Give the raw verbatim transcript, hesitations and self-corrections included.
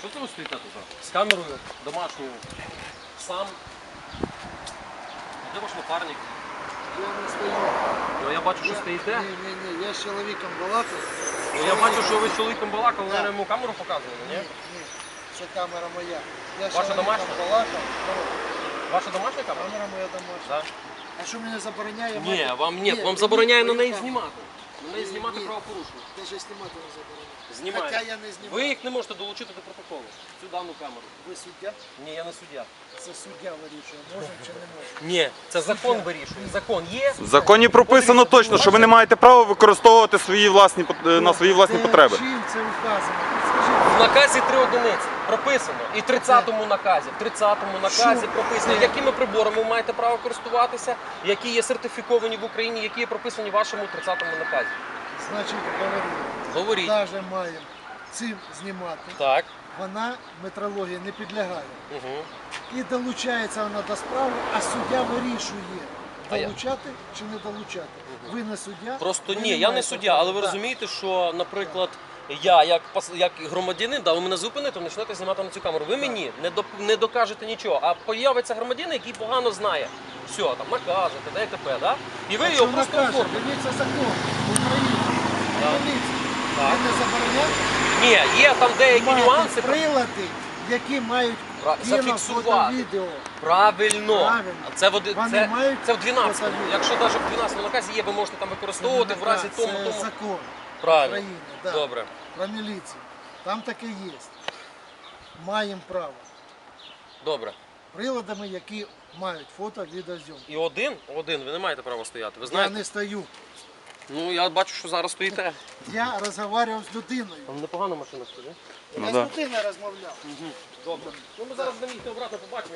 Що це ви стоїте тут? З камерою домашньою. Сам. Де ваш напарник? Я не стою. Ну, я бачу, що Я- стоїте. Ні, ні, ні, я з чоловіком балакав. Ну, я бачу, що ви з чоловіком балакали, Так. ви йому камеру показували, Ні, ні? ні, це камера моя. Я з Ваша чоловіком домашня? балакав. Ну, Ваша домашня камера? камера моя домашня. Так. А що мене забороняє? Ні, мати? вам ні, вам мені забороняє на мою неї камеру. знімати. На неї Ні, знімати ні. правопорушення. Даже знімати не забороняє. Знімає. Хоча я не знімаю. Ви їх не можете долучити до протоколу. Цю дану камеру. Ви суддя? Ні, я не суддя. Це суддя вирішує, може чи не може. Ні, це закон вирішує. Закон є. В законі прописано точно, що ви не маєте права використовувати свої власні пот- на свої власні Де, потреби. Чим це вказано? Підскажіть. В наказі три одиниці прописано. І в тридцятому наказі. В тридцятому наказі Що? прописано, Де? якими приборами ви маєте право користуватися, які є сертифіковані в Україні, які є прописані в вашому тридцятому наказі. Значить, говорю. Говоріть. Навіть маємо цим знімати. Так. Вона метрології не підлягає. Угу. І долучається вона до справи, а суддя вирішує, А я- долучати чи не долучати. Ви не суддя. Просто ви ні, я не маєте суддя, права. але ви Так. розумієте, що, наприклад, я як пас- як громадянин, да, ви мене зупините, почнете знімати на цю камеру. Ви мені не до не докажете нічого, а появиться громадянин, який погано знає. Все, там накажете, ДТП, да? І ви А його що просто накаже? оформите. Дивіться закон України. Так. Дивіться. Так. Ви не забороняєте Ні, є там деякі мати нюанси. прилади, які мають Пра- кіно, зафіксувати. фото, відео. Правильно. Правильно. А Це, в оди- Вони це, мають це в дванадцятому. фото-відео. Якщо навіть в дванадцятому наказі є, ви можете там використовувати в разі Це тому, тому. закон Правильно. України. Да. Добре. Про міліцію. Там таке є. Маємо право. Добре. Приладами, які мають фото, відеозйомку. І один, один, ви не маєте права стояти. Ви Я знаєте? не стою. Ну, я бачу, що зараз стоїте. Я розмовляв з людиною. Там непогана машина стоїть. Ну Я да. з людиною розмовляв. Добре. Ну, ми зараз дамо їх обратно побачимо.